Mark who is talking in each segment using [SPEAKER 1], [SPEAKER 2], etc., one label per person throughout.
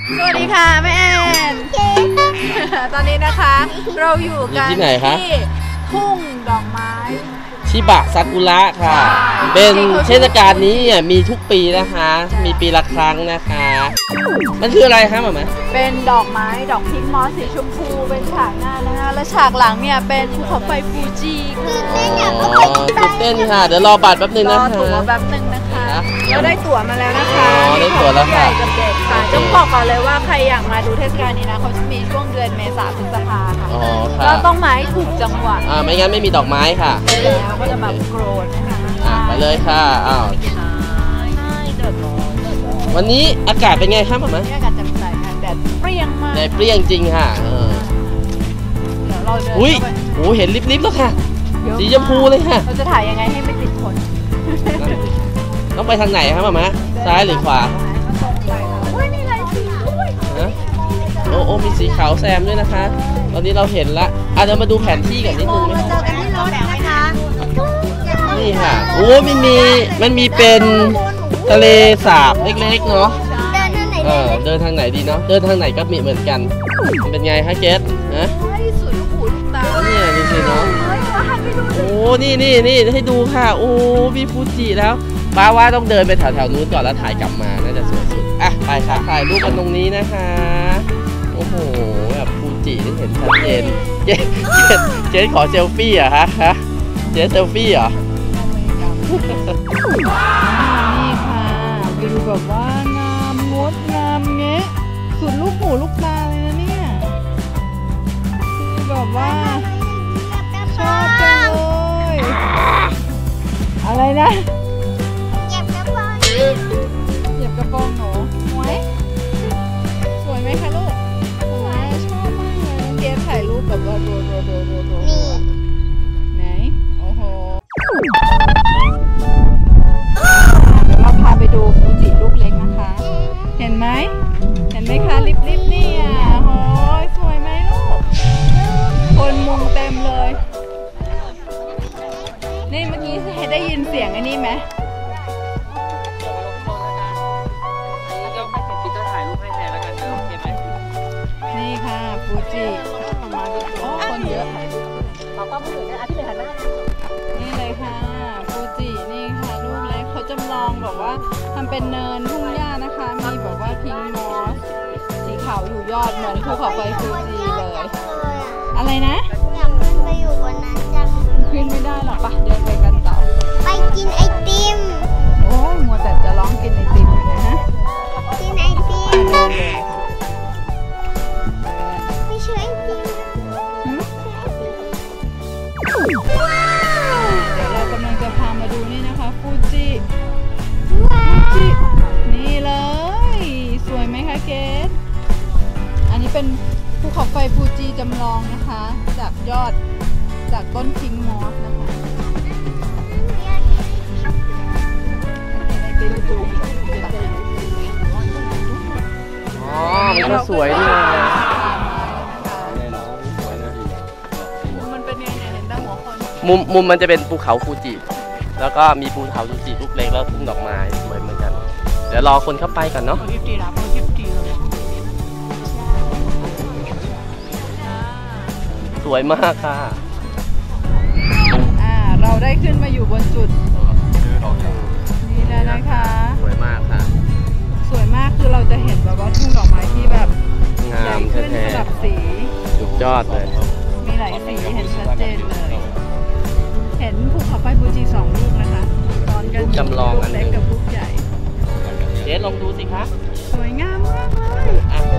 [SPEAKER 1] สวัสดีค่ะแม่แอนตอนนี้นะคะเราอยู่กันที่ทุ่งดอกไม้
[SPEAKER 2] ชิบะซากุระค่ะเป็นเทศกาลนี้มีทุกปีนะคะมีปีละครั้งนะคะมันคืออะไรคะหม่า
[SPEAKER 1] เป็นดอกไม้ดอกพิงค์มอสสีชมพูเป็นฉากหน้านะคะและฉากหลังเนี่ยเป็นภูเขาไฟฟูจิ
[SPEAKER 2] ตื่นเต้นค่ะเดี๋ยวรอบัตรแป๊บนึงนะคะ
[SPEAKER 1] รอตั๋วแป๊บนึงนะคะเราได้ตั๋วมาแล้วนะคะ
[SPEAKER 2] ได้ตั๋วแล้วค่ะ
[SPEAKER 1] กับเด็กค่ะจะบอกก่อนเลยว่าใครอยากมาดูเทศกาลนี้นะเขาจะมีช่วงเดือนเมษาพฤษภาค่ะเราต้องมาให้ถูกจังหวะ
[SPEAKER 2] ไม่งั้นไม่มีดอกไม้ค่ะ
[SPEAKER 1] แล้วก็จะมาโกรธนะคะ
[SPEAKER 2] ไปเลยค่ะวันนี้อากาศเป็นไงครับหม่า
[SPEAKER 1] อากาศแจ่มใสค่ะแดดเปรี้ยงมาก
[SPEAKER 2] แดดเปรี้ยงจริงค่ะ
[SPEAKER 1] เดี๋ยวเราเดิน
[SPEAKER 2] อุ้ยโอ้เห็นลิบๆแล้วค่ะสีชมพูเลยค่ะ
[SPEAKER 1] เราจะถ่ายยังไงให้ไม่ติดคน
[SPEAKER 2] ต้องไปทางไหนครับหม่าซ้ายหรือขวา
[SPEAKER 1] มีหลายสีด้วย
[SPEAKER 2] โอ้มีสีขาวแซมด้วยนะคะตอนนี้เราเห็นละเดี๋ยวมาดูแผนที่กันนิดนึงไหม
[SPEAKER 1] เจอกันที่รถนะคะ
[SPEAKER 2] นี่ค่ะโอ้มันมีเป็นทะเลสาบเล็กๆเนาะเดินทางไหนดีเนาะเดินทางไหนก็มีเหมือนกันเป็นไงคะเกสนะ
[SPEAKER 1] สวยลูกหูลูกตา
[SPEAKER 2] เนี่ยดูสิเนาะโอ้นี่ให้ดูค่ะโอ้มีฟูจิแล้วป้าว่าต้องเดินไปแถวนู้นก่อนแล้วถ่ายกลับมาน่าจะสวยสุดไปค่ะถ่ายรูปกันตรงนี้นะคะโอ้โหแบบฟูจิที่เห็นชัดเจนเจสขอเซลฟี่เหรอคะเจสเซลฟี่เหรอ
[SPEAKER 1] นี่ค่ะวิวแบบว่างามงดงามเงี้ยสุดลูกหูลูกตาเลยนะเนี่ยคือแบบว่าชอบจังเลยอะไรนะเหยียบกระโปรงหนูสวยไหมคะลูกสวยชอบมากเลยน้องเกดถ่ายรูปแบบว่าดูไหนโอ้โหเราพาไปดูฟูจิลูกเล็กนะคะเห็นไหมคะลิบนี่โอ้ยสวยไหมลูกคนมุงเต็มเลยนี่เมื่อกี้ได้ยินเสียงไอ้นี่ไหมนี่ค่ะฟูจิโอ้คนเยอะนี่เลยค่ะฟูจินี่ค่ะลูกเล็กเขาจำลองแบบว่าทำเป็นเนินทุ่งหญ้านะคะมีแบบว่าพิงค์มอสสีขาวอยู่ยอดเหมือนภูเขาไฟฟูจิเลยอะไรนะ
[SPEAKER 3] อยากขึ้นไปอยู่บนนั้นจัง
[SPEAKER 1] ขึ้นไม่ได้หรอกปะเดินไปกันต่อ
[SPEAKER 3] ไปกินไอติม
[SPEAKER 1] โอ้ยมัวแต่จะร้องกินไอติมอยู่นะฮะ
[SPEAKER 3] กินไอติมไม่เชื่อไอติม
[SPEAKER 1] ว้าวเดี๋ยวเรากำลังจะพามาดูนี่นะคะฟูจินี่เลยสวยไหมคะเกดอันนี้เป็นภูเขาไฟฟูจิจำลองนะคะจากต้นพิงค์มอสนะคะ
[SPEAKER 2] มันก็สวยดีนะ
[SPEAKER 1] มันเป็นยังไงเห็นได้หัวคน
[SPEAKER 2] มุมมันจะเป็นภูเขาฟูจิแล้วก็มีภูเขาฟูจิลูกเล็กแล้วทุ่งดอกไม้สวยเหมือนกันเดี๋ยวรอคนเข้าไปกันเนาะสวยมากค่ะ
[SPEAKER 1] เราได้ขึ้นมาอยู่บนจุดนี่แล้วนะคะ
[SPEAKER 2] สวยมากค่ะ
[SPEAKER 1] สวยมากคือเราจะเห็นแบบว่าทุ่งดอกไม้ที่แบบ
[SPEAKER 2] งามแท้
[SPEAKER 1] ๆแบบสี
[SPEAKER 2] สุดยอดเลย
[SPEAKER 1] มีหลายสีเห็นชัดเจนเลยเห็นภูเขาไฟฟูจิ2 ลูกนะคะตอนกัน
[SPEAKER 2] จำลองอัน
[SPEAKER 1] เล็กกับลูกใหญ่
[SPEAKER 2] เจ๊ลองดูสิคะ
[SPEAKER 1] สวยงามมากเลย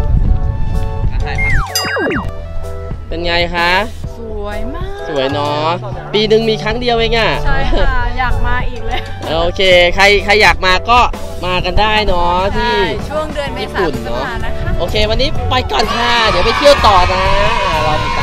[SPEAKER 2] เป็นไงคะ
[SPEAKER 1] สวยมาก
[SPEAKER 2] สวยเนาะปีหนึ่งมีครั้งเดียวเอง
[SPEAKER 1] ใช่ค่ะอยากมาอีกเลย
[SPEAKER 2] โอเคใครอยากมาก็มากันได้เนาะที่
[SPEAKER 1] ช่วงเดือนเมษายนเนาะ
[SPEAKER 2] โอเควันนี้ไปก่อนค่ะเดี๋ยวไปเที่ยวต่อนะเราติด